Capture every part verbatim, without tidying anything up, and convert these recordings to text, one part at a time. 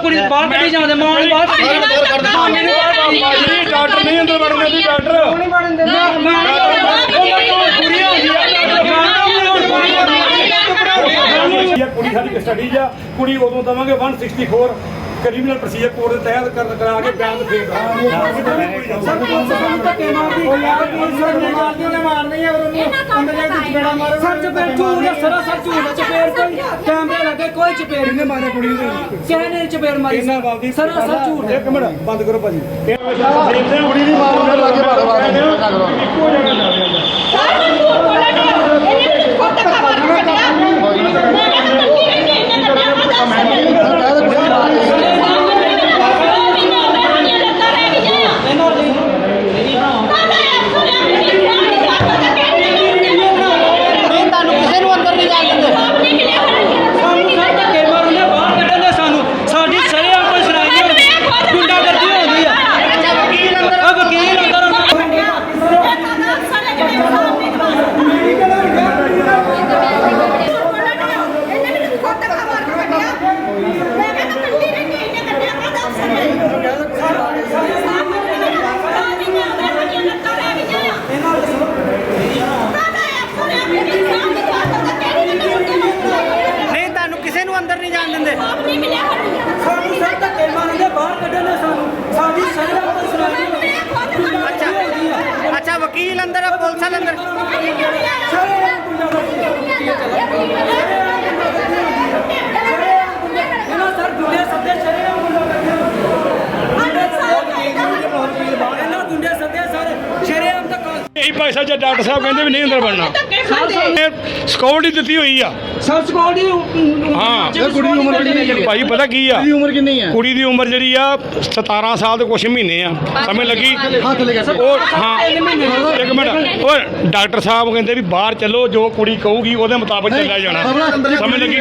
ਕੁੜੀ ਬਾਹਰ ਕੱਢੀ ਜਾਂਦੇ ਮਾਂ ਨੂੰ ਬਾਹਰ ਕੱਢੀ ਜਾਂਦੇ ਡਾਕਟਰ ਨਹੀਂ ਅੰਦਰ ਵੜਨ ਦਿੰਦੀ ਡਾਕਟਰ ਨਹੀਂ ਵੜਨ ਦਿੰਦਾ ਕੁੜੀ ਸਾਡੀ ਕਸਟਡੀ ਆ ਕੁੜੀ ਉਦੋਂ ਦਵਾਂਗੇ ਇੱਕ ਸੌ ਚੌਂਸਠ ਕ੍ਰਿਮੀਨਲ ਪ੍ਰੋਸੀਜਰ ਕੋਡ ਦੇ ਤਹਿਤ ਕਰ ਕਰਾ ਕੇ ਬਿਆਨ ਫੇਰ ਮਾਰਨੀ ਹੈ ਉਹਨੂੰ ਅੰਦਰ ਜਾ ਕੇ ਚਪੇੜਾ ਮਾਰੋ ਸਰ ਚਪੇੜ ਝੂਠ ਹੈ ਸਰਾ ਸਰ ਝੂਠ ਹੈ ਚਪੇੜ ਕੋਈ ਕੈਮਰੇ ਲੱਗੇ ਕੋਈ ਚਪੇੜ ਕਿੰਨੇ ਮਾਰਿਆ ਕੁੜੀ ਨੂੰ ਕਿਸੇ ਨੇ ਚਪੇੜ ਮਾਰੀ ਸਰਾ ਸਰ ਝੂਠ ਹੈ ਇੱਕ ਮਿੰਟ ਬੰਦ ਕਰੋ ਭਾਜੀ ਕੁੜੀ ਦੀ ਮਾਰ ਉਹਨੇ ਲਾ ਕੇ ਬਾਰ ਬਾਰ ਇੱਕੋ ਜਗ੍ਹਾ ਜਾ ਰਿਹਾ ਅੰਦਰ ਨਹੀਂ ਜਾਣ ਦਿੰਦੇ ਸਾਨੂੰ ਸਰ ਧੱਕੇ ਮਾਰਦੇ ਬਾਹਰ ਕੱਢਣੇ ਸਾਨੂੰ ਸਾਡੀ ਸ਼ਰਮ ਤੋਂ ਸੁਣਾਈ ਅੱਛਾ ਅੱਛਾ ਵਕੀਲ ਅੰਦਰ ਹੈ ਪੁਲਿਸ ਵਾਲੇ ਅੰਦਰ ਇਹਨਾਂ ਸਰ ਗੁੰਡੇ ਸੱਦੇ ਸ਼ਰਮ ਇਹਨਾਂ ਗੁੰਡੇ ਸੱਦੇ ਸਰ ਸ਼ਰਮ ਤੱਕ ਇਹੀ ਪੈਸਾ ਜੇ ਡਾਕਟਰ ਸਾਹਿਬ ਕਹਿੰਦੇ ਵੀ ਨਹੀਂ ਅੰਦਰ ਵੜਨਾ ਸਿਕਿਉਰਿਟੀ ਦਿੱਤੀ ਹੋਈ ਆ ਸਰ ਸਿਕਿਉਰਿਟੀ ਹਾਂ ਕੁੜੀ ਦੀ ਉਮਰ ਕਿੰਨੀ ਹੈ ਭਾਈ ਪਤਾ ਕੀ ਆ ਕੁੜੀ ਦੀ ਉਮਰ ਕਿੰਨੀ ਹੈ ਕੁੜੀ ਦੀ ਉਮਰ ਜਿਹੜੀ ਆ ਸਤਾਰਾਂ ਸਾਲ ਤੇ ਕੁਛ ਮਹੀਨੇ ਆ ਸਮਝ ਲੱਗੀ ਹੱਥ ਲੈ ਕੇ ਉਹ ਹਾਂ ਇੱਕ ਮਿੰਟ ਉਹ ਡਾਕਟਰ ਸਾਹਿਬ ਕਹਿੰਦੇ ਵੀ ਬਾਹਰ ਚੱਲੋ ਜੋ ਕੁੜੀ ਕਹੂਗੀ ਉਹਦੇ ਮੁਤਾਬਕ ਚੱਲਿਆ ਜਾਣਾ ਸਮਝ ਲੱਗੀ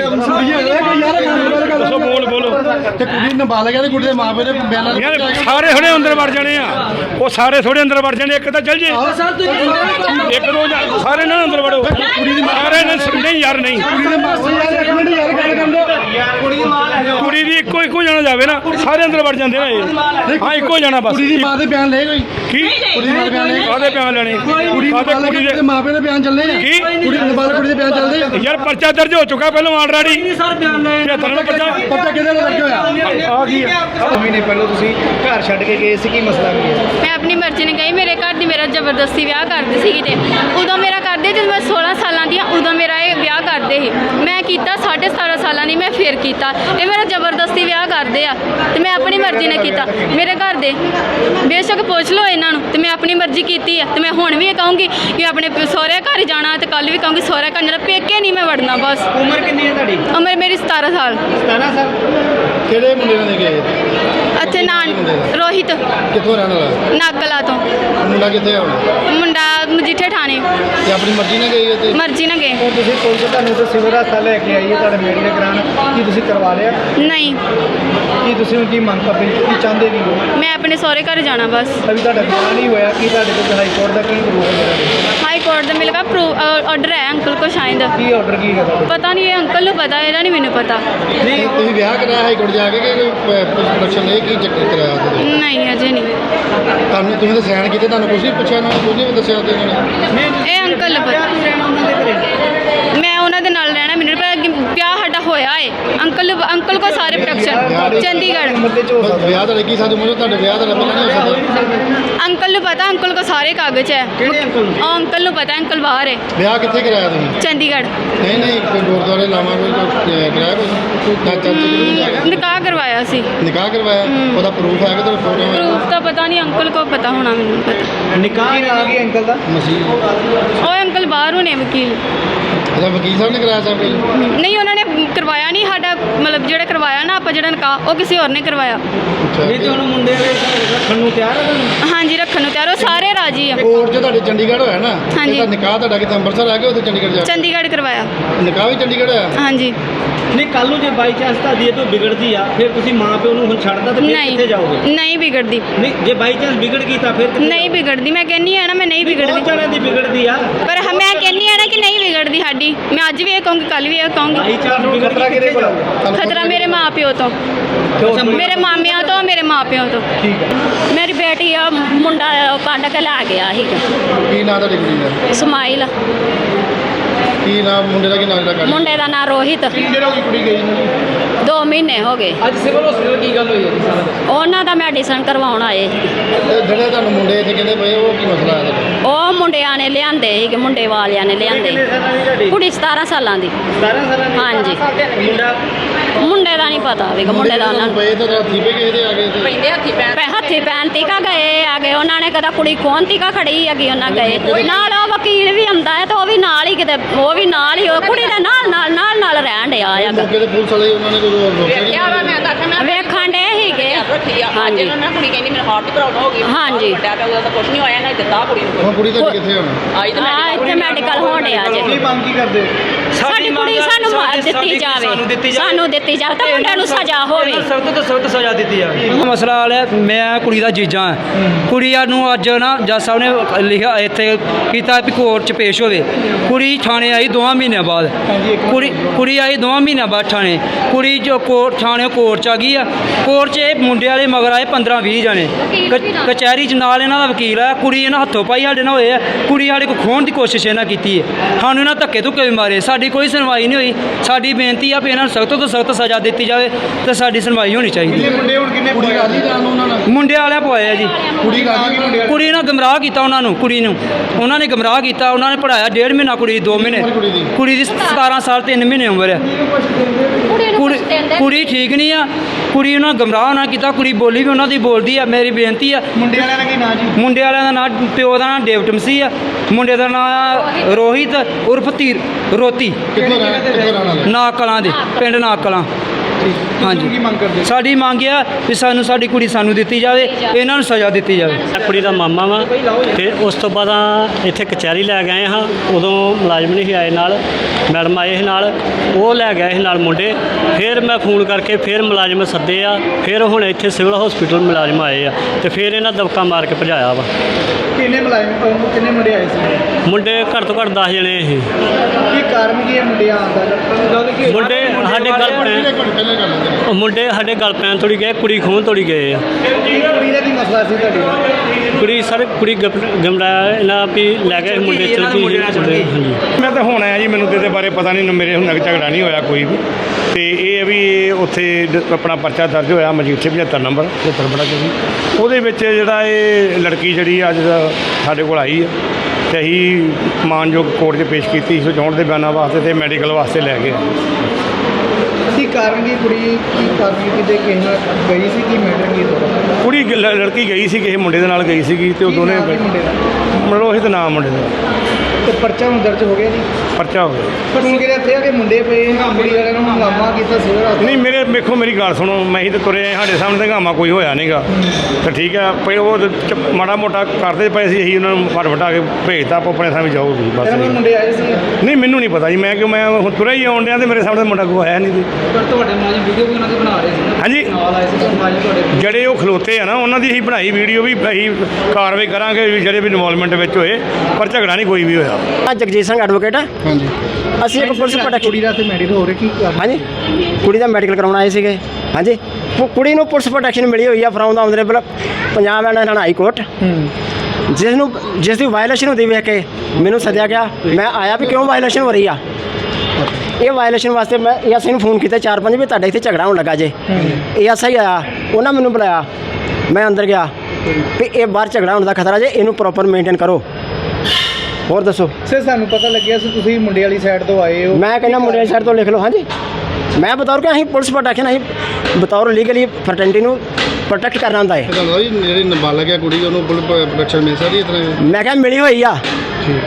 ਦੱਸੋ ਬੋਲ ਬੋਲੋ ਤੇ ਕੁੜੀ ਨਾਬਾਲਗ ਹੈ ਤੇ ਕੁੜੀ ਦੇ ਮਾਪੇ ਨੇ ਬਿਆਨ ਯਾਰ ਸਾਰੇ ਥੋੜੇ ਅੰਦਰ ਵੜ ਜਾਣੇ ਆ ਉਹ ਸਾਰੇ ਥੋੜੇ ਅੰਦਰ ਵੜ ਜਾਣੇ ਇੱਕ ਤਾਂ ਚੱਲ ਜੇ ਇੱਕ ਦੋ ਜਾ- ਸਾਰੇ ਨਾ ਅੰਦਰ ਵੜੋ ਕੁੜੀ ਦੀ ਸਾਰੇ ਨੇ ਨਹੀਂ ਯਾਰ ਨਹੀਂ ਕੁੜੀ ਦੇ ਮਾਪੇ ਯਾਰ ਇੱਕ ਮਿੰਟ ਯਾਰ ਗੱਲ ਕਰਦੇ ਕੁੜੀ ਦੀ ਇੱਕੋ ਇੱਕੋ ਜਾਣਾ ਜਾਵੇ ਨਾ ਸਾਰੇ ਅੰਦਰ ਵੜ ਜਾਂਦੇ ਨਾ ਇਹ ਹਾਂ ਇੱਕੋ ਜਾਣਾ ਬਸ ਕੁੜੀ ਦੀ ਮਾਂ ਦੇ ਬਿਆਨ ਲੈ ਕੋਈ ਕੀ ਕੁੜੀ ਦੀ ਮਾਂ ਦੇ ਬਿਆਨ ਲੈ ਕਾਹਦੇ ਬਿਆਨ ਲੈਣੇ ਕੁੜੀ ਕਾਹਦੇ ਨਾਬਾਲਗ ਕੁੜੀ ਦੇ ਦੇ ਮਾਪੇ ਦੇ ਬਿਆਨ ਚੱਲਦੇ ਨੇ ਕੀ? ਕੁੜੀ ਨਾਬਾਲਗ ਕੁੜੀ ਦੇ ਬਿਆਨ ਚੱਲਦੇ ਆ ਯਾਰ ਪਰਚਾ ਦਰਜ ਹੋ ਚੁੱਕਾ ਪਹਿਲਾਂ ਆਲਰੇਡੀ ਸਰ ਬਿਆਨ ਲੈ ਪਚੱਤਰ ਨੂੰ ਪਰਚਾ ਪਤਾ ਕਿਹਦੇ ਨਾਲ ਲੱਗਿਆ ਹੋਇਆ ਆ ਗਈ ਮਹੀਨੇ ਪਹਿਲਾਂ ਤੁਸੀਂ ਘਰ ਛੱਡ ਕੇ ਗਏ ਸੀ ਕੀ ਮਸਲਾ ਕੀ ਹੈ ਮੈਂ ਆਪਣੀ ਮਰਜ਼ੀ ਨਾਲ ਗਈ ਮੇਰੇ ਘਰ ਦੀ ਮੇਰਾ ਜ਼ਬਰਦਸਤੀ ਵਿਆਹ ਕਰਦੇ ਸੀਗੇ ਤੇ ਉਦੋਂ ਮੇਰਾ ਕਰਦੇ ਜਦੋਂ ਮੈਂ ਸੋਲਾਂ ਸਾਲਾਂ ਦੀ ਹਾਂ ਉਦੋਂ ਮੇਰਾ ਇਹ ਵਿਆਹ ਕਰਦੇ ਸੀ ਮੈਂ ਕੀਤਾ ਸਾਢੇ ਸਤਾਰਾਂ ਸਾਲਾਂ ਦੀ ਮੈਂ ਫੇਰ ਕੀਤਾ ਇਹ ਮੇਰਾ ਜ਼ਬਰਦਸਤੀ ਵਿਆਹ ਕਰਦੇ ਆ ਤੇ ਮੈਂ ਆਪਣੀ ਮਰਜ਼ੀ ਨਾਲ ਕੀਤਾ ਮੇਰੇ ਘਰ ਦੇ ਬੇਸ਼ੱਕ ਪੁੱਛ ਲਓ ਇਹਨਾਂ ਨੂੰ ਤੇ ਮੈਂ ਆਪਣੀ ਮਰਜ਼ੀ ਕੀਤੀ ਆ ਤੇ ਮੈਂ ਹੁਣ ਵੀ ਇਹ ਕਹੂੰਗੀ ਕਿ ਆਪਣੇ ਸਹੁਰੇ ਘਰ ਜਾਣਾ ਤੇ ਕੱਲ ਵੀ ਕਹੂੰਗੀ ਸਹੁਰੇ ਘਰ ਜਾਣਾ ਪੇਕੇ ਨਹੀਂ ਮੈਂ ਵੜਨਾ ਬਸ ਉਮਰ ਕਿੰਨੀ ਹੈ ਤੁਹਾਡੀ ਉਮਰ ਮੇਰੀ ਸਤਾਰਾਂ ਸਾਲ ਸਤਾਰਾਂ ਸਾਲ ਕਿਹੜੇ ਮੁੰਡੇ ਨਾਲ ਗਏ ਅੱਛਾ ਨਾਨ ਰੋਹਿਤ ਕਿੱਥੋਂ ਰਹਿਣ ਵਾਲਾ ਨਾਗਲਾ ਤੋਂ ਮੁੰਡਾ ਕਿੱਥੇ ਆ ਹੁਣ ਮੁੰਡਾ ਮਜੀਠੇ ਠਾਣੇ ਤੇ ਆਪਣੀ ਮਰਜ਼ੀ ਨਾਲ ਗਈ ਹੈ ਤੇ ਮਰਜ਼ੀ ਨਾਲ ਗਏ ਹੁਣ ਤੁਸੀਂ ਪੁਲਿਸ ਤੁਹਾਨੂੰ ਤੇ ਸਿਵਲ ਹਸਪਤਾਲ ਲੈ ਕੇ ਆਈ ਹੈ ਤੁਹਾਡੇ ਮੈਡੀਕਲ ਕਰਾਉਣ ਕੀ ਤੁਸੀਂ ਕਰਵਾ ਲਿਆ ਨਹੀਂ ਕੀ ਤੁਸੀਂ ਹੁਣ ਕੀ ਮੰਗ ਕਰਦੇ ਕੀ ਚਾਹੁੰਦੇ ਕੀ ਹੋ ਮੈਂ ਆਪਣੇ ਸਹੁਰੇ ਘਰ ਜਾਣਾ ਬਸ ਅਭੀ ਤੁਹਾਡਾ ਵਿਆਹ ਨਹੀਂ ਹੋਇਆ ਕੀ ਤੁਹਾਡੇ ਕੋਲ ਹਾਈ ਕੋਰਟ ਦਾ ਕੀ ਪ੍ਰੂਫ ਹੈ ਹਾਈ ਕੋਰਟ ਦਾ ਮੇਰੇ ਕੋਲ ਆਰਡਰ ਹੈ ਅੰਕਲ ਕੋ ਸ਼ਾਇਦ ਕੀ ਆਰਡਰ ਕੀ ਹੈ ਤੁਹਾਡਾ ਪਤਾ ਨਹੀਂ ਇਹ ਅੰਕਲ ਨੂੰ ਪਤਾ ਇਹਦਾ ਨਹੀਂ ਮੈਨੂੰ ਪਤਾ ਨਹੀਂ ਤੁਸੀਂ ਵਿਆਹ ਕਰਾਇਆ ਹਾਈ ਕੋਰਟ ਜਾ ਕੇ ਕਿ ਪ੍ਰੋਡਕਸ਼ਨ ਨੇ ਕੀ ਚੱਕਰ ਕਰਾਇਆ ਉਹਦੇ ਨਹੀਂ ਅਜੇ ਨਹੀਂ ਤੁਹਾਨੂੰ ਤੁਸੀਂ ਤਾਂ ਸੈਨ ਕੀਤੇ ਤੁਹਾਨੂੰ ਕੁਝ ਨਹੀਂ ਪੁੱਛਿਆ ਨਾ ਕੁਝ ਨਹੀਂ ਦੱਸਿਆ ਉਹਦੇ ਨਾਲ ਇਹ ਅੰਕਲ ਨੂੰ ਪਤਾ ਮੈਂ ਉਹਨਾਂ ਦੇ ਨਾਲ ਰਹਿਣਾ ਮੈਨੂੰ ਪਤਾ ਕਿ ਵਿਆਹ ਸਾਡਾ ਹੋਇਆ ਏ ਅੰਕਲ ਅੰਕਲ ਕੋ ਸਾਰੇ ਪ੍ਰੋਡਕਸ਼ਨ ਚੰਡੀਗੜ੍ਹ ਵਿਆਹ ਦਾ ਲੱਗੀ ਸਾਡੇ ਮੂੰਹ ਤੁਹਾਡੇ ਵਿਆਹ ਦਾ ਪਹਿਲਾਂ ਨਹੀਂ ਹੋ ਸਕਦਾ ਅੰਕਲ ਨੂੰ ਪਤਾ ਅੰਕਲ ਕੋ ਸਾਰੇ ਕਾਗਜ਼ ਹੈ ਕਿਹੜੇ ਅੰਕਲ ਨੂੰ? ਉਹ ਅੰਕਲ ਨੂੰ ਪਤਾ ਅੰਕਲ ਬਾਹਰ ਹੈ ਵਿਆਹ ਕਿੱਥੇ ਕਰਾਇਆ ਤੁਸੀਂ ਚੰਡੀਗੜ੍ਹ ਨਹੀਂ ਨਹੀਂ ਕੋਈ ਗੁਰਦੁਆਰੇ ਲਾਵਾਂ ਕੋਈ ਕੋਈ ਕਰਾਇਆ ਕੋਈ ਨਾ ਚਰਚ ਜਾ ਕੇ ਨਿਕਾਹ ਕਰਵਾਇਆ ਸੀ ਨਿਕਾਹ ਕਰਵਾਇਆ ਉਹਦਾ ਪ੍ਰੂਫ ਹੈ ਕਿ ਤੁਹਾਡੇ ਫੋਟੋ ਹੈ ਪ੍ਰੂਫ ਤਾਂ ਪਤਾ ਨਹੀਂ ਅੰਕਲ ਕੋ ਪਤਾ ਹੋਣਾ ਮੈਨੂੰ ਪਤਾ ਨਿਕਾਹ ਆ ਗਿਆ ਅੰਕਲ ਦਾ ਮਸੀਹ ਉਹ ਅੰਕਲ ਬਾਹਰ ਹੋਣੇ ਵਕੀਲ ਅੱਛਾ ਵਕੀਲ ਸਾਹਿਬ ਨੇ ਕਰਾਇਆ ਸਭ ਕੁਝ ਨਹੀਂ ਉਹਨਾਂ ਨੇ ਕਰਵਾਇਆ ਨਹੀਂ ਸਾਡਾ ਮਤਲਬ ਜਿਹੜਾ ਕਰਵਾਇਆ ਨਾ ਆਪਾਂ ਜਿਹੜਾ ਨਿਕਾਹ ਉਹ ਕਿਸੇ ਹੋਰ ਨੇ ਕਰਵਾਇਆ ਅੱਛਾ ਨਹੀਂ ਤੇ ਉਹਨੂੰ ਮੁੰਡੇ ਦੇ ਰੱਖਣ ਨੂੰ ਤਿਆਰ ਹੈ ਤੁਹਾਨੂੰ ਹਾਂਜੀ ਰੱਖਣ ਨੂੰ ਤਿਆਰ ਉਹ ਸਾਰੇ ਰਾਜੀ ਆ ਕੋਰਟ 'ਚ ਤੁਹਾਡੇ ਚੰਡੀਗੜ੍ਹ ਹੋਇਆ ਨਾ ਹਾਂਜੀ। ਇਹਦਾ ਨਿਕਾਹ ਤੁਹਾਡਾ ਕਿਤੇ ਅੰਮ੍ਰਿਤਸਰ ਆ ਗਿਆ ਉੱਥੇ ਚੰਡੀਗੜ੍ਹ ਜਾ ਕੇ ਚੰਡੀਗੜ੍ਹ ਕਰਵਾਇਆ ਨਿਕਾਹ ਵੀ ਚੰਡੀਗੜ੍ਹ ਹੋਇਆ ਹਾਂਜੀ ਨਹੀਂ ਕੱਲ ਨੂੰ ਜੇ ਬਾਈ ਚਾਂਸ ਤੁਹਾਡੀ ਇਹ ਤੋਂ ਵਿਗੜਦੀ ਆ ਫਿਰ ਤੁਸੀਂ ਮਾਂ ਪਿਓ ਨੂੰ ਹੁਣ ਛੱਡਦਾ ਤੇ ਫਿਰ ਕਿੱਥੇ ਨਹੀਂ ਜਾਓਗੇ ਨਹੀਂ ਵਿਗੜਦੀ ਨਹੀਂ ਜੇ ਬਾਈ ਚਾਂਸ ਵਿਗੜ ਗਈ ਤਾਂ ਫਿਰ ਕਿੱਥੇ ਨਹੀਂ ਵਿਗੜਦੀ ਮੈਂ ਕਹਿੰਨੀ ਆ ਨਾ ਮੈਂ ਨਹੀਂ ਬਹੁਤ ਵਿਗੜਦੀ ਜਣਿਆਂ ਦੀ ਵਿਗੜਦੀ ਆ ਪਰ ਹਾਂ ਮੈਂ ਕਹਿੰਨੀ ਆ ਨਾ ਹੈ ਕਿ ਨਹੀਂ ਵਿਗੜਦੀ ਸਾਡੀ। ਮੈਂ ਅੱਜ ਵੀ ਇਹ ਕਹੂੰਗੀ, ਕੱਲ ਵੀ ਇਹ ਕਹੂੰਗੀ। ਬਾਈ ਚਾਂਸ ਖਤਰਾ ਕਿਹਦੇ ਕੋਲ ਆਊਗਾ? ਖਤਰਾ ਮੇਰੇ ਮਾਂ ਪਿਓ ਤੋਂ, ਮੇਰੇ ਮਾਮਿਆਂ ਤੋਂ, ਮੇਰੇ ਮਾਂ ਪਿਓ ਤੋਂ। ਠੀਕ ਹੈ। ਮੇਰੀ ਬੇਟੀ ਆ ਮੁੰਡਾ ਕੱਢ ਕੇ ਲੈ ਗਿਆ ਸੀਗਾ, ਕੀ ਨਾਂ ਤੁਹਾਡੀ ਕੁੜੀ ਦਾ? ਸਮਾਈਲ। ਕੀ ਨਾਮ ਮੁੰਡੇ ਦਾ? ਕੀ ਨਾਂ ਜਿਹੜਾ ਕੱਢ ਮੁੰਡੇ ਦਾ ਨਾਂ ਰੋਹਿਤ। ਕਿੰਨੀ ਦੇਰ ਹੋ ਗਈ ਕੁੜੀ ਗਈ ਨੂੰ? ਦੋ ਮਹੀਨੇ ਹੋ ਗਏ। ਅੱਜ ਸਿਵਲ ਹਸਪੀਟਲ ਕੀ ਗੱਲ ਹੋਈ ਹੈ ਜੀ ਸਾਰਾ ਦੱਸੋ। ਉਹਨਾਂ ਦਾ ਮੈਡੀਸਨ ਕਰਵਾਉਣ ਆਏ ਸੀ। ਇਹ ਜਿਹੜੇ ਤੁਹਾਨੂੰ ਮੁੰਡੇ ਇੱਥੇ ਕਹਿੰਦੇ ਪਏ ਉਹ ਕੀ ਮਸਲਾ ਹੈ ਤੁਹਾਡਾ? ਉਹ ਮੁੰਡਿਆਂ ਨੇ ਲਿਆਂਦੇ ਸੀਗੇ, ਮੁੰਡੇ ਵਾਲਿਆਂ ਨੇ ਲਿਆਂਦੇ। ਕਿੰਨੇ ਸਾਲਾਂ ਦੀ ਤੁਹਾਡੀ? ਕੁੜੀ ਸਤਾਰਾਂ ਸਾਲਾਂ ਦੀ। ਸਤਾਰਾਂ ਸਾਲਾਂ ਦੀ? ਹਾਂਜੀ। ਮੁੰਡਾ ਮੁੰਡੇ ਦਾ ਨਹੀਂ ਪਤਾ ਹੋਵੇਗਾ, ਮੁੰਡੇ ਦਾ ਉਹਨਾਂ ਨੂੰ ਪਏ ਤਾਂ ਰਾਤੀ ਪਏ ਕਿਸੇ ਦੇ ਆ ਗਏ ਤੇ ਪੈਂਦੇ ਹੱਥੀ ਪੈਣ ਪੈ ਹੱਥੀ ਪੈਣ ਤੀਕਾ ਗਏ ਆ ਗਏ ਉਹਨਾਂ ਨੇ। ਕਦਾ ਕੁੜੀ ਕੌਣ ਤੀਕਾ ਖੜੀ ਹੈਗੀ, ਉਹਨਾਂ ਗਏ ਨਾਲ। ਉਹ ਵਕੀਲ ਵੀ ਆਉਂਦਾ ਹੈ ਤੇ ਉਹ ਵੀ ਨਾਲ ਹੀ ਕਿਤੇ, ਉਹ ਵੀ ਨਾਲ ਹੀ, ਉਹ ਕੁੜੀ ਦੇ ਨਾਲ ਨਾਲ ਨਾਲ ਨਾਲ ਰਹਿਣ ਡਿਆ ਆ। ਮੌਕੇ ਤੇ ਪੁਲਿਸ ਵਾਲੇ ਉਹਨਾਂ ਨੇ ਕੋਈ ਰੋਕਿਆ ਨਹੀਂ? ਵੇਖਣ ਡੇ ਸੀਗੇ। ਹਾਂਜੀ ਮੈਂ ਕੁੜੀ ਕਹਿੰਦੀ ਮੈਨੂੰ ਹਾਰਟ ਦੀ ਪ੍ਰੋਬਲਮ ਹੋ ਗਈ। ਹਾਂਜੀ। ਵੱਡਾ ਪਿਆ ਉਹਦਾ ਤਾਂ ਕੁਝ ਨਹੀਂ ਹੋਇਆ ਨਾ, ਦਿੱਤਾ ਕੁੜੀ ਨੂੰ ਹੁਣ ਕੁੜੀ ਤੁਹਾਡੀ ਕਿੱਥੇ ਹੋਣਾ? ਆਈ ਤਾਂ ਆ ਇੱਥੇ ਮੈਡੀਕਲ ਹੋਣ ਡਿਆ ਜੇ। ਕੀ ਮੰਗ ਕੀ ਕਰਦੇ ਹੋ? ਸਾਡੀ ਕੁੜੀ ਸਾਨੂੰ ਮਾਰ ਦਿੱਤੀ ਜਾਵੇ, ਸਾਨੂੰ ਦਿੱਤੀ ਜਾਵੇ ਤਾਂ ਮੁੰਡਿਆਂ ਨੂੰ ਸਜ਼ਾ ਹੋਵੇ। ਸਖਤ ਤੋਂ ਸਖਤ ਸਜ਼ਾ ਦਿੱਤੀ ਜਾਵੇ। ਮਸਲਾ ਹਾਲ ਹੈ, ਮੈਂ ਕੁੜੀ ਦਾ ਜੀਜਾ ਹਾਂ। ਕੁੜੀ ਨੂੰ ਅੱਜ ਨਾ ਜੱਜ ਸਾਹਿਬ ਨੇ ਲਿਖਿਆ ਇੱਥੇ ਕੀਤਾ ਵੀ ਕੋਰਟ 'ਚ ਪੇਸ਼ ਹੋਵੇ। ਕੁੜੀ ਥਾਣੇ ਆਈ ਦੋਵਾਂ ਮਹੀਨਿਆਂ ਬਾਅਦ। ਕੁੜੀ ਕੁੜੀ ਆਈ ਦੋਵਾਂ ਮਹੀਨਿਆਂ ਬਾਅਦ ਥਾਣੇ। ਕੁੜੀ ਜੋ ਕੋਰਟ ਥਾਣੇ ਕੋਰਟ 'ਚ ਆ ਗਈ ਆ। ਕੋਰਟ 'ਚ ਇਹ ਮੁੰਡੇ ਵਾਲੇ ਮਗਰ ਆਏ ਪੰਦਰਾਂ ਵੀਹ ਜਣੇ। ਕ- ਕਚਹਿਰੀ 'ਚ ਨਾਲ ਇਹਨਾਂ ਦਾ ਵਕੀਲ ਆ। ਕੁੜੀ ਇਹਨਾਂ ਹੱਥੋਂ ਪਾਈ ਸਾਡੇ ਨਾਲ ਹੋਏ ਆ। ਕੁੜੀ ਸਾਡੇ ਕੋਲ ਖੋਹਣ ਦੀ ਕੋਸ਼ਿਸ਼ ਇਹਨਾਂ ਕੀਤੀ ਹੈ। ਸਾਨੂੰ ਇਹਨਾਂ ਧੱਕੇ ਧੁੱਕੇ ਵੀ ਮਾਰੇ। ਸਾਡੀ ਕੋਈ ਸੁਣਵਾਈ ਨਹੀਂ ਹੋਈ। ਸਾਡੀ ਬੇਨਤੀ ਆ ਵੀ ਇਹਨਾਂ ਨੂੰ ਸਖਤ ਤੋਂ ਸਖਤ ਸਜ਼ਾ ਦਿੱਤੀ ਜਾਵੇ ਤੇ ਸਾਡੀ ਸੁਣਵਾਈ ਹੋਣੀ ਚਾਹੀਦੀ ਹੈ। ਮੁੰਡੇ ਹੁਣ ਕਿੰਨੇ ਕੁੜੀ ਰਾਜੀ ਜਾਣ ਨੂੰ ਉਹਨਾਂ ਨਾਲ? ਮੁੰਡੇ ਵਾਲਿਆਂ ਪਵਾਏ ਆ ਜੀ। ਕੁੜੀ ਰਾਜੀ ਮੁੰਡੇ ਕੁੜੀ ਨਾਲ ਗਮਰਾਹ ਕੀਤਾ ਉਹਨਾਂ ਨੂੰ। ਕੁੜੀ ਨੂੰ ਉਹਨਾਂ ਨੇ ਗਮਰਾਹ ਕੀਤਾ। ਉਹਨਾਂ ਨੇ ਪੜਾਇਆ ਡੇਢ ਮਹੀਨਾ, ਕੁੜੀ ਦੋ ਮਹੀਨੇ। ਕੁੜੀ ਦੀ? ਕੁੜੀ ਦੀ ਸਤਾਰਾਂ ਸਾਲ ਤਿੰਨ ਮਹੀਨੇ ਉਮਰ ਹੈ। ਕੁੜੀ ਕੁੜੀ ਠੀਕ ਨਹੀਂ ਆ। ਕੁੜੀ ਉਹਨਾਂ ਗਮਰਾਹ ਨਾ ਕੀਤਾ। ਕੁੜੀ ਬੋਲੀ ਵੀ ਉਹਨਾਂ ਦੀ ਬੋਲਦੀ ਆ। ਮੇਰੀ ਬੇਨਤੀ ਆ, ਮੁੰਡੇ ਵਾਲਿਆਂ ਦਾ ਕੀ ਨਾਂ ਜੀ? ਮੁੰਡੇ ਵਾਲਿਆਂ ਦਾ ਨਾਂ, ਪਿਓ ਦਾ ਨਾਂ ਡੇਵਿਡ ਮਸੀਹ ਆ। ਮੁੰਡੇ ਦਾ ਨਾਂ ਰੋਹਿਤ ਉਰਫ ਧੀਰ ਰੋਤੀ, ਕਿੱਥੋਂ ਰਹਿਣ ਕਿੱਥੋਂ ਰਹਿਣ ਵਾਲੇ? ਨਾਗ ਕਲਾਂ ਦੇ ਪਿੰਡ ਨਾਗ ਕਲਾਂ। ਹਾਂਜੀ। ਕੀ ਮੰਗ ਕਰਦੇ ਹੋ? ਸਾਡੀ ਮੰਗ ਆ ਵੀ ਸਾਨੂੰ ਸਾਡੀ ਕੁੜੀ ਸਾਨੂੰ ਦਿੱਤੀ ਜਾਵੇ, ਇਹਨਾਂ ਨੂੰ ਸਜ਼ਾ ਦਿੱਤੀ ਜਾਵੇ। ਕੁੜੀ ਦਾ ਮਾਮਾ ਵਾ ਤੇ ਉਸ ਤੋਂ ਬਾਅਦ ਆ ਇੱਥੇ ਕਚਹਿਰੀ ਲੈ ਗਏ ਹਾਂ। ਉਦੋਂ ਮੁਲਾਜ਼ਮ ਨਹੀਂ ਸੀ ਆਏ ਨਾਲ, ਮੈਡਮ ਆਏ ਸੀ ਨਾਲ, ਉਹ ਲੈ ਗਏ ਸੀ ਨਾਲ ਮੁੰਡੇ। ਫਿਰ ਮੈਂ ਫੋਨ ਕਰਕੇ ਫਿਰ ਮੁਲਾਜ਼ਮ ਸੱਦੇ ਆ। ਫਿਰ ਹੁਣ ਇੱਥੇ ਸਿਵਲ ਹਸਪੀਟਲ ਮੁਲਾਜ਼ਮ ਆਏ ਆ ਤੇ ਫਿਰ ਇਹਨਾਂ ਦਬਕਾ ਮਾਰ ਕੇ ਭਜਾਇਆ ਵਾ। ਕਿੰਨੇ ਮੁਲਾਜ਼ਮ ਕਿੰਨੇ ਮੁੰਡੇ ਆਏ ਸੀ? ਮੁੰਡੇ ਘੱਟ ਤੋਂ ਘੱਟ ਦਸ ਜਣੇ ਸੀ। ਕੀ ਕਾਰਨ ਕੀ ਹੈ ਮੁੰਡੇ ਆਉਣ ਦਾ? ਗੱਲ ਕੀ ਹੋਈ? ਮੁੰਡੇ ਸਾਡੇ ਗੱਲ ਪਹਿਲੇ ਪੈਣ ਘੰਟੇ ਪਹਿਲੇ ਕਰ ਲੈਂਦੇ ਨੇ। ਉਹ ਮੁੰਡੇ ਸਾਡੇ ਗੱਲ ਪੈਣ ਤੋੜੀ ਗਏ, ਕੁੜੀ ਖੂਨ ਤੋੜੀ ਗਏ ਆ। ਕੀ ਕੁੜੀ ਦਾ ਕੀ ਮਸਲਾ ਸੀ ਤੁਹਾਡੀ ਨਾਲ? ਕੁੜੀ ਸਰ ਕੁੜੀ ਗਮਰਾਇਆ ਇਹਨਾਂ ਵੀ ਲੈ ਗਏ ਮੁੰਡੇ ਚਲ ਗਈ। ਹਾਂਜੀ। ਮੈਂ ਤਾਂ ਹੁਣ ਆਇਆ ਜੀ, ਮੈਨੂੰ ਤੇ ਇਹਦੇ ਬਾਰੇ ਪਤਾ ਨਹੀਂ। ਮੇਰੇ ਹੁਣ ਤੱਕ ਝਗੜਾ ਨਹੀਂ ਹੋਇਆ ਕੋਈ ਵੀ। ਤੇ ਇਹ ਹੈ ਵੀ ਇਹ ਉੱਥੇ ਡ- ਆਪਣਾ ਪਰਚਾ ਦਰਜ ਹੋਇਆ ਮਜੀਠੇ ਪਝੱਤਰ ਨੰਬਰ ਪਝੱਤਰ ਬੜਾ ਚੌਵੀ। ਉਹਦੇ ਵਿੱਚ ਜਿਹੜਾ ਇਹ ਲੜਕੀ ਜਿਹੜੀ ਅੱਜ ਦਾ ਸਾਡੇ ਕੋਲ ਆਈ ਹੈ ਤੇ ਅਸੀਂ ਮਾਨਯੋਗ ਕੋਰਟ 'ਚ ਪੇਸ਼ ਕੀਤੀ ਸੀ ਚੋਣ ਦੇ ਬਿਆਨਾਂ ਵਾਸਤੇ ਤੇ ਮੈਡੀਕਲ ਵਾਸਤੇ ਲੈ ਗਏ। ਕੀ ਕਾਰਨ ਕੀ ਕੁੜੀ ਕੀ ਕਾਰਨ ਕਿਤੇ ਕਿਸੇ ਨਾਲ ਗਈ ਸੀ? ਕੀ ਮੈਟਰ ਕੀ ਤੁਹਾਡਾ? ਕੁੜੀ ਗ- ਲ- ਲੜਕੀ ਗਈ ਸੀ ਕਿਸੇ ਮੁੰਡੇ ਦੇ ਨਾਲ ਗਈ ਸੀਗੀ ਤੇ ਉਹ ਕੀ ਦੋਨੇ ਨਾਮ ਸੀ ਮੁੰਡੇ ਦਾ? ਰੋਹਿਤ ਨਾਮ ਮੁੰਡੇ ਦਾ। ਤੇ ਪਰਚਾ ਹੁਣ ਦਰਜ ਹੋ ਗਿਆ ਜੀ। ਪਰਚਾ ਹੋ ਗਿਆ। ਪਰ ਹੁਣ ਕਿਹੜੇ ਇੱਥੇ ਆ ਕਿ ਮੁੰਡੇ ਪਏ ਕੁੜੀ ਵਾਲਿਆਂ ਨੂੰ ਹੰਗਾਮਾ ਕੀਤਾ ਸਿਵਲ ਹਸਪਤਾਲ? ਨਹੀਂ ਮੇਰੇ ਵੇਖੋ ਮੇਰੀ ਗੱਲ ਸੁਣੋ, ਮੈਂ ਹੀ ਤਾਂ ਤੁਰੇ ਆਏ, ਸਾਡੇ ਸਾਹਮਣੇ ਤਾਂ ਹੰਗਾਮਾ ਕੋਈ ਹੋਇਆ ਨਹੀਂਗਾ। ਤਾਂ ਠੀਕ ਹੈ ਪਈ ਉਹ ਤੇ ਚ- ਮਾੜਾ ਮੋਟਾ ਕਰਦੇ ਪਏ ਸੀ, ਅਸੀਂ ਉਹਨਾਂ ਨੂੰ ਫੜ ਵਟਾ ਕੇ ਭੇਜਤਾ ਆਪੋ ਆਪਣੇ ਸਾਹਮਣੇ ਜਾਓ ਜੀ ਬਸ। ਇਹਨਾਂ ਦੇ ਮੁੰਡੇ ਆਏ ਸੀ ਨਹੀਂ ਮੈਨੂੰ ਨਹੀਂ ਪਤਾ ਜੀ, ਮੈਂ ਕਿਉਂ ਮੈਂ ਹੁਣ ਤੁਰੇ ਹੀ ਆਉਣ ਡਿਆ ਤੇ ਮੇਰੇ ਸਾਹਮਣੇ ਮੁੰਡਾ ਕੋਈ ਆਇਆ ਨਹੀਂ ਜੀ। ਪਰ ਤੁਹਾਡੇ ਮਾਜੀ ਵੀਡੀਓ ਵੀ ਉਹਨਾਂ ਦੇ ਬਣਾ ਰਹੇ ਸੀ ਨਾ? ਹਾਂਜੀ ਨਾਲ ਆਏ ਸੀ ਮਾਜੀ ਤੁਹਾਡੇ? ਜਿਹੜੇ ਉਹ ਖਲੋਤੇ ਆ ਨਾ ਉਹਨਾਂ ਦੀ ਅਸੀਂ ਬਣਾਈ ਵੀਡੀਓ ਵੀ ਅਸੀਂ ਕਾਰਵਾਈ ਕਰਾਂਗੇ ਵੀ ਜਿਹੜੇ ਵੀ ਇਨਵੋਲਵਮੈਂਟ ਵਿੱਚ ਹੋਏ, ਪਰ ਝਗੜਾ ਨਹੀਂ ਕੋਈ ਵੀ ਹੋਇਆ। ਆ ਜਗਜੀਤ ਸਿੰਘ ਐਡਵੋਕੇਟ ਆ। ਹਾਂਜੀ। ਅਸੀਂ ਇੱਕ ਪੁਲਿਸ ਪ੍ਰੋਟੈਕਸ਼ਨ ਕੁੜੀ ਦਾ ਤੇ ਮੈਰਿਜ ਹੋ ਰਿਹਾ ਕੀ ਕਾਰਨ? ਹਾਂਜੀ ਕੁੜੀ ਦਾ ਮੈਡੀਕਲ ਕਰਾਉਣ ਆਏ ਸੀਗੇ। ਹਾਂਜੀ ਉਹ ਕੁੜੀ ਨੂੰ ਪੁਲਿਸ ਪ੍ਰੋਟੈਕਸ਼ਨ ਮਿਲੀ ਹੋਈ ਆ from the honourable Punjab and Haryana high court. ਜਿਸ ਨੂੰ ਜਿਸ ਦੀ ਵਾਇਲੇਸ਼ਨ ਹੁੰਦੀ ਵੇਖ ਕੇ ਮੈਨੂੰ ਸੱਦਿਆ ਗਿਆ। ਮੈਂ ਆਇਆ ਵੀ ਕਿਉਂ ਵਾਇਲੇਸ਼ਨ ਹੋ ਰਹੀ ਆ। ਇਹ ਵਾਇਲੇਸ਼ਨ ਵਾਸਤੇ ਮੈਂ ਏਐਸਆਈ ਨੂੰ ਫੋਨ ਕੀਤਾ ਚਾਰ ਪੰਜ ਵੀ ਤੁਹਾਡੇ ਇੱਥੇ ਝਗੜਾ ਹੋਣ ਲੱਗਾ ਜੇ। ਏਐਸਆਈ ਆਇਆ, ਉਹਨਾਂ ਮੈਨੂੰ ਬੁਲਾਇਆ, ਮੈਂ ਅੰਦਰ ਗਿਆ ਵੀ ਇਹ ਬਾਹਰ ਝਗੜਾ ਹੋਣ ਦਾ ਖਤਰਾ ਜੇ, ਇਹਨੂੰ ਪ੍ਰੋਪਰ ਮੇਨਟੇਨ ਕਰੋ। ਹੋਰ ਦੱਸੋ। ਸਰ ਸਾਨੂੰ ਪਤਾ ਲੱਗਿਆ ਸੀ ਤੁਸੀਂ ਮੁੰਡੇ ਵਾਲੀ ਸਾਈਡ ਤੋਂ ਆਏ ਹੋ। ਮੈਂ ਕਹਿੰਦਾ ਮੁੰਡੇ ਦੀ ਸਾਈਡ ਤੋਂ ਲਿਖ ਲਓ। ਹਾਂਜੀ ਮੈਂ ਬਤੌਰ ਕਿ ਅਸੀਂ ਪੁਲਿਸ ਪ੍ਰੋਟੈਕਸ਼ਨ ਅਸੀਂ ਬਤੌਰ ਲੀਗਲੀ ਫਰਟੈਂਟੀ ਨੂੰ ਪ੍ਰੋਟੈਕਟ ਕਰਨਾ ਹੁੰਦਾ ਹੈ। ਇਹ ਤੁਹਾਨੂੰ ਜੀ ਜਿਹੜੀ ਨਾਬਾਲਗ ਹੈ ਕੁੜੀ ਉਹਨੂੰ ਪੁਲਿਸ ਪ੍ਰੋਟੈਕਸ਼ਨ ਮਿਲ ਸਕਦੀ ਇਸ ਤਰ੍ਹਾਂ? ਮੈਂ ਕਿਹਾ ਮਿਲੀ ਹੋਈ ਆ,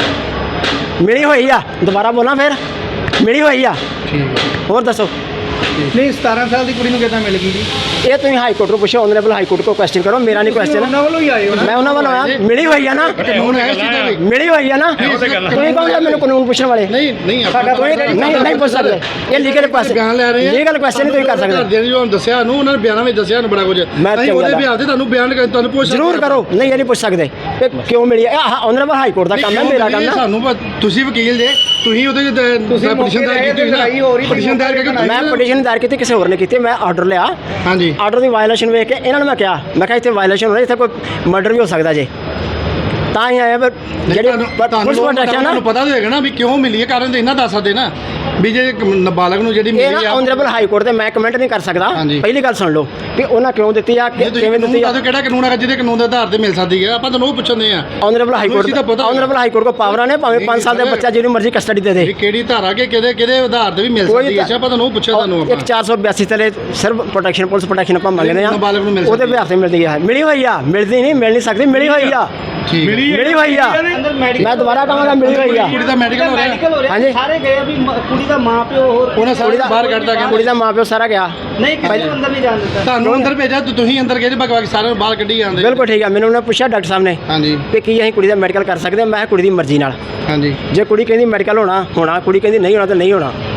ਮਿਲੀ ਹੋਈ ਆ। ਦੁਬਾਰਾ ਬੋਲਾਂ ਫਿਰ? ਮਿਲੀ ਹੋਈ ਆ। ਠੀਕ ਹੈ। ਹੋਰ ਦੱਸੋ। ਨਹੀਂ ਸਤਾਰਾਂ ਸਾਲ ਦੀ ਕੁੜੀ ਨੂੰ ਕਿੱਦਾਂ ਮਿਲ ਗਈ ਜੀ ਇਹ ਤੁਸੀਂ ਹਾਈ ਕੋਰਟ ਨੂੰ ਪੁੱਛੋ, ਆਨਰੇਬਲ ਹਾਈ ਕੋਰਟ ਕੋ ਕੁਐਸਚਨ ਕਰੋ, ਮੇਰਾ ਨਹੀਂ ਤੁਸੀਂ ਕੁਐਸਚਨ। ਉਹਨਾਂ ਵੱਲੋਂ ਹੀ ਆਏ ਹੋ ਨਾ ਮੈਂ ਉਹਨਾਂ ਵੱਲੋਂ ਆਇਆ, ਮਿਲੀ ਹੋਈ ਆ ਨਾ, ਕਾਨੂੰਨ ਹੈ ਇਸ ਚੀਜ਼ ਦਾ ਵੀ ਮਿਲੀ ਹੋਈ ਆ ਨਾ। ਤੁਸੀਂ ਕੌਣ ਹੋ ਮੈਨੂੰ ਕਾਨੂੰਨ ਪੁੱਛਣ ਵਾਲੇ? ਨਹੀਂ ਨਹੀਂ ਆਪਾਂ ਕੋਈ ਨਹੀਂ ਨਹੀਂ ਪੁੱਛ ਸਕਦੇ, ਇਹ ਲੀਗਲ ਕੁਐਸਚਨ ਬਿਆਨ ਲੈ ਰਹੇ ਆ ਲੀਗਲ ਕੁਐਸਚਨ ਨਹੀਂ ਤੁਸੀਂ ਕਰ ਸਕਦੇ। ਘਰਦਿਆਂ ਨੇ ਜੋ ਦੱਸਿਆ ਨੂੰ ਉਹਨਾਂ ਨੇ ਬਿਆਨਾਂ ਵਿੱਚ ਦੱਸਿਆ ਨੂੰ ਬੜਾ ਕੁਝ ਮੈਂ ਅਸੀਂ ਉਹਦੇ ਬਿਆਨ ਤੇ ਤੁਹਾਨੂੰ ਬਿਆਨ ਕਰ ਤੁਹਾਨੂੰ ਪੁੱਛ ਜ਼ਰੂਰ ਕਰੋ, ਨਹੀਂ ਇਹ ਨਹੀਂ ਪੁੱਛ ਸਕਦੇ ਕਿ ਕਿਉਂ ਮਿਲੀ ਹੈ। ਆਹ ਆਨਰੇਬਲ ਹਾਈ ਕੋਰਟ ਦਾ ਕੰਮ ਹੈ, ਮੇਰਾ ਕੰਮ ਹੈ। ਸਾਨੂੰ ਪ- ਤੁਸੀਂ ਵਕੀਲ ਜੇ ਤੁਸੀਂ ਉਹਦੇ ਤੁਸੀਂ ਪਟੀਸ਼ਨ ਦਾਇਰ ਕੀਤੀ ਹੋਈ ਲੜਾਈ ਹੋ ਰਹੀ, ਨਾ ਪਟੀਸ਼ਨ ਦਾਇਰ ਕਰਕੇ ਮੈਂ ਪਟੀਸ਼ਨ ਦਾਇਰ ਕੀਤੀ, ਕਿਸੇ ਹੋਰ ਨੇ ਕੀਤੀ, ਮੈਂ ਆਰਡਰ ਲਿਆ, ਹਾਂਜੀ ਆਰਡਰ ਦੀ ਵਾਇਲੇਸ਼ਨ ਵੇਖ ਕੇ ਇਹਨਾਂ ਨੂੰ ਮੈਂ ਕਿਹਾ, ਮੈਂ ਕਿਹਾ ਇੱਥੇ ਵਾਇਲੇਸ਼ਨ ਹੋ ਰਹੀ, ਇੱਥੇ ਕੋਈ ਮਰਡਰ ਵੀ ਹੋ ਸਕਦਾ ਜੇ, ਤਾਂ ਹੀ ਆਇਆ। ਪਰ ਜਿਹੜੀ ਤੁਹਾਨੂੰ ਪੁਲਿਸ ਪ੍ਰੋਟੈਕਸ਼ਨ ਨਾ, ਤੁਹਾਨੂੰ ਪਤਾ ਤਾਂ ਹੋਏਗਾ ਨਾ ਵੀ ਕਿਉਂ ਮਿਲੀ ਹੈ, ਕਾਰਨ ਤੇ ਇਹਨਾਂ ਦੱਸ ਸਕਦੇ ਨਾ ਵੀ ਜੇ ਇੱਕ ਨਾਬਾਲਗ ਨੂੰ ਜਿਹੜੀ ਇਹ ਮਿਲੀ ਨਾ ਆ ਆਨਰੇਬਲ ਹਾਈ ਕੋਰਟ ਤੇ ਮੈਂ ਕਮੈਂਟ ਨਹੀਂ ਕਰ ਸਕਦਾ। ਹਾਂਜੀ। ਪਹਿਲੀ ਗੱਲ ਸੁਣ ਲਓ ਕਿ ਉਹਨਾਂ ਕਿਉਂ ਦਿੱਤੀ ਆ, ਕਿ- ਜੇ ਤੁਸੀਂ ਕਿਵੇਂ ਕਾਨੂੰਨ ਦਿੱਤੀ ਆ। ਦੱਸੋ ਕਿਹੜਾ ਕਾਨੂੰਨ ਹੈਗਾ ਜਿਹਦੇ ਕਾਨੂੰਨ ਦੇ ਆਧਾਰ ਤੇ ਮਿਲ ਸਕਦੀ ਹੈ, ਆਪਾਂ ਤੁਹਾਨੂੰ ਉਹ ਪੁੱਛਦੇ ਆ ਆਨਰੇਬਲ ਹਾਈ ਤੁਹਾਨੂੰ ਇਸ ਚੀਜ਼ ਦਾ ਕੋਰਟ ਪਤਾ ਆਨਰੇਬਲ ਹਾਈ ਕੋਰਟ ਕੋ ਪਾਵਰਾਂ ਨੇ, ਭਾਵੇਂ ਪੰਜ ਸਾਲ ਦੇ ਬੱਚਾ ਜਿਹਨੂੰ ਮਰਜ਼ੀ ਕਸਟਡੀ ਦੇ ਦੇ। ਵੀ ਕਿਹੜੀ ਧਾਰਾ ਕੇ ਕਿਹਦੇ ਕਿਹਦੇ ਆਧਾਰ ਤੇ ਵੀ ਮਿਲ ਕੋਈ ਸਕਦੀ ਹੈ, ਤਾਂ- ਆਪਾਂ ਤੁਹਾਨੂੰ ਉਹ ਪੁੱਛਿਆ ਤੁਹਾਨੂੰ ਇੱਕ ਆਪਾਂ ਚਾਰ ਸੌ ਬਿਆਸੀ ਤਲੇ ਸਿਰਫ ਪ੍ਰੋਟੈਕਸ਼ਨ ਪੁਲਿਸ ਪ੍ਰੋਟੈਕਸ਼ਨ ਆਪਾਂ ਮੰਗਦੇ ਆ, ਨਾਬਾਲਗ ਨੂੰ ਮਿਲ ਉਹਦੇ ਸਕਦੀ ਹੈ। ਬਿਹਾਰ ਤੇ ਮਿਲਦੀ ਹੈ, ਮਿਲੀ ਹੋਈ ਆ, ਮਿਲਦੀ ਨਹੀਂ, ਮਿਲ ਨਹੀਂ ਸਕਦੀ, ਮਿਲੀ ਹੋਈ ਆ, ਠੀਕ ਹੈ। ਮਿਲੀ ਹੋਈ ਆ। ਅੰਦਰ ਮੈਡੀਕਲ ਮੈਂ ਦੁਬਾਰਾ ਕਹਾਂਗਾ ਮਿਲੀ ਹੋਈ ਆ। ਕੁੜੀ ਦਾ ਮੈਡੀਕਲ ਹੋ ਰਿਹਾ ਮੈਡੀਕਲ ਹੋ ਰਿਹਾ ਹਾਂਜੀ। ਸਾਰੇ ਗਏ ਵੀ ਮ- ਕੁੜੀ ਦਾ ਮਾਂ ਪਿਓ ਹੋਰ ਉਹਨਾਂ ਸਾਰੇ ਬਾਹਰ ਕੱਢਦਾ ਗਿਆ ਕੁੜੀ ਦਾ ਮਾਂ ਪਿਓ ਸਾਰਾ ਗਿਆ। ਨਹੀਂ ਕਿਸੇ ਨੂੰ ਅੰਦਰ ਨਹੀਂ ਜਾਣ ਦਿੱਤਾ ਤੁਹਾਨੂੰ ਅੰਦਰ ਭੇਜਿਆ ਤੇ ਤੁਸੀਂ ਅੰਦਰ ਗਏ ਬਾਕੀ ਸਾਰਿਆਂ ਨੂੰ ਬਾਹਰ ਕੱਢੀ ਜਾਂਦੇ ਬਿਲਕੁਲ ਠੀਕ ਆ। ਮੈਨੂੰ ਉਹਨੇ ਪੁੱਛਿਆ ਡਾਕਟਰ ਸਾਹਿਬ ਨੇ ਹਾਂਜੀ ਕਿ ਕੀ ਅਸੀਂ ਕੁੜੀ ਦਾ ਮੈਡੀਕਲ ਕਰ ਸਕਦੇ ਹਾਂ, ਮੈਂ ਕਿਹਾ ਕੁੜੀ ਦੀ ਮਰਜ਼ੀ ਨਾਲ। ਹਾਂਜੀ ਜੇ ਕੁੜੀ ਕਹਿੰਦੀ ਮੈਡੀਕਲ ਹੋਣਾ ਹੋਣਾ, ਕੁੜੀ ਕਹਿੰਦੀ ਨਹੀਂ ਹੋਣਾ ਤਾਂ ਨਹੀਂ ਹੋਣਾ।